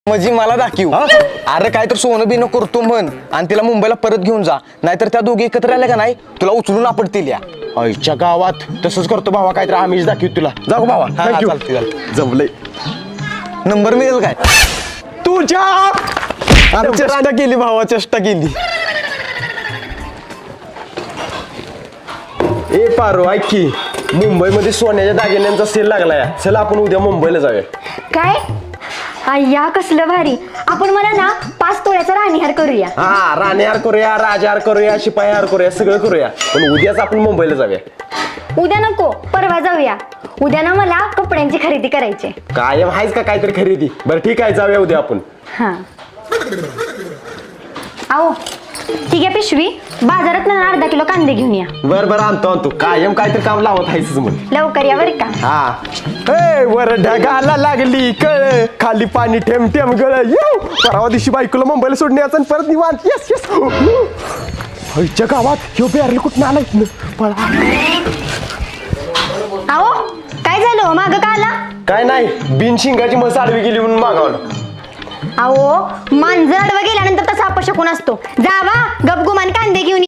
म्हणजे मला दाखव. अरे काय तर सोनं बिनं करतो म्हण आणि तिला मुंबईला परत घेऊन जा, नाहीतर त्या दोघी एकत्र आल्या का नाही तुला उचलून आपडतील. या आईच्या गावात तसंच करतो भावा, काहीतरी आम्हीच दाखवू तुला. जाऊ भावा. थँक्यू. जमलंय. नंबर मिळेल काय तुझ्या अरे चेष्टा केली भावा, चेष्टा केली. ए पारो, ऐक की, मुंबईमध्ये सोन्याच्या दागिन्यांचा सेल लागलाय. चला आपण उद्या मुंबईला जाऊया. काय अय्या कसलं भारी. आपण मला ना 5 तोळ्याचा राणीहार करूया. हा, राणीहार करूया, राजहार करूया, शिपाईहार करूया, सगळं करूया. पण उद्याच आपण मुंबईला जाऊया. उद्या नको, परवा जाऊया. उद्या ना मला कपड्यांची खरेदी करायची. कायम आहेच का काहीतरी खरेदी? बरं ठीक आहे, जाऊया उद्या आपण. हा आओ, ठीक आहे पिशवी. बाजारात ना अर्धा किलो कांदे घेऊन या. बरं बरं, आणतो. कायम काहीतरी काम लावत आहेस म्हण. लवकर या बरं का. हा. ए वर ढगाला लागली कळ, खाली पाणी ठेम ठेम गळ. परवा दिवशी बायकोला मुंबईला सोडण्याचं आणि परत निवांत. Yes yes. आईच्या गावात ह्यो बॅरल कुठं आला इथनं? पळा. आओ, काय झालं मागं का आला? काय नाही, बिन शिंगाची म्हस आडवी गेली म्हणून मागावलं. आओ, मांजर आडवं गेल्यानंतर तसा अपशकुन असतो. जावा गपगुमान कांदे घेऊन